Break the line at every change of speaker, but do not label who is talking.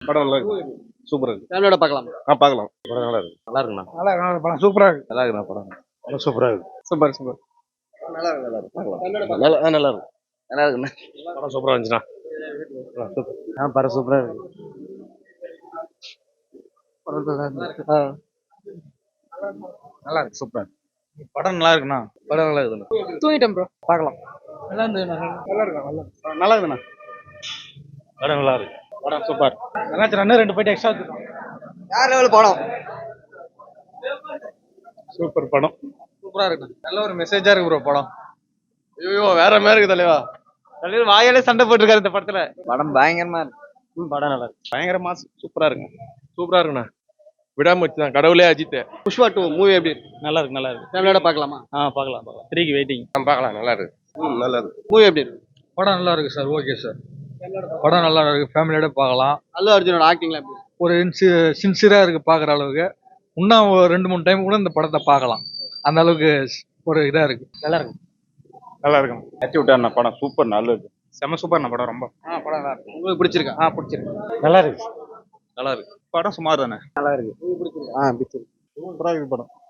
படம் நல்லா இருக்கு. சூப்பரா இருக்கு.
ஃபேமிலியோட பார்க்கலாம்.
பார்க்கலாம். படம் நல்லா இருக்கு. நல்லா இருக்குண்ணா.
நல்லா இருக்கு படம் சூப்பரா இருக்கு.
நல்லா இருக்குண்ணா படம். படம் சூப்பரா இருக்கு.
Super super.
நல்லா இருக்கு. நல்லா இருக்கு. நல்லா இருக்கு. நல்லா இருக்குண்ணா. படம் சூப்பரா இருந்துச்சுண்ணா. சூப்பர். படம் சூப்பரா இருக்கு.
நல்லா இருக்கு சூப்பரா இருக்கு. படம் நல்லா இருக்குண்ணா.
படம் நல்லா இருக்குண்ணா.
தூங்கிட்டேன் ப்ரோ. பார்க்கலாம்.
நல்லா இருந்தது. நல்லா இருக்கு.
நல்லா இருக்குண்ணா. படம் நல்லா இருக்கு. படம் சூப்பர்.
நல்லா இருந்துச்சு. ரெண்டு போயிட்டு எக்ஸ்ட்ரா எடுத்துக்கோங்க.
யார் லெவல் படம்?
சூப்பர் படம்.
சூப்பரா இருக்கு. நல்ல ஒரு மெசேஜா இருக்கு ப்ரோ படம்.
ஐயோ வேற மாதிரி இருக்கு தலைவா.
தலைவர் வாயாலே சண்டை போட்டுருக்காரு இந்த படத்துல.
படம் பயங்கரமா இருக்கு.
படம் நல்லா இருக்கு. பயங்கரமா சூப்பரா இருக்குங்க. சூப்பரா இருக்குண்ணா. விடாம தான் கடவுளே அஜித்.
புஷ்பா 2 மூவி எப்படி இருக்கு?
நல்லா இருக்கு. நல்லா இருக்கு.
ஃபேமிலியோட பார்க்கலாமா?
பார்க்கலாம். 3க்கு வெயிட்டிங்.
பார்க்கலாம். நல்லா இருக்கு. நல்லா இருக்கு.
மூவி எப்படி இருக்கு?
படம் நல்லா இருக்கு சார். Okay sir. படம் நல்லா இருக்கு. ஃபேமிலியோட பார்க்கலாம்.
அல்லு அர்ஜுனோட ஆக்டிங்ல எப்படி இருக்கு?
ஒரு சின்சியரா இருக்கு பாக்குற அளவுக்கு. இன்னும் ஒரு 2-3 டைம் கூட இந்த படத்தை பார்க்கலாம். அந்த அளவுக்கு ஒரு இதா இருக்கு. நல்லா இருக்கு.
நல்லா இருக்கும். ஏற்றி விட்டாருண்ணா படம் சூப்பர். நல்லா இருக்கு.
செம சூப்பர் படம். ரொம்ப
படம் நல்லா இருக்கு. உங்களுக்கு பிடிச்சிருக்கா?
பிடிச்சிருக்கு.
நல்லா இருக்கு. நல்லா இருக்கு.
படம் சுமார் தானே.
நல்லா இருக்கு. உங்களுக்கு பிடிச்சிருக்கா?
பிடிச்சிருக்கு. சூப்பரா இருக்கு படம்.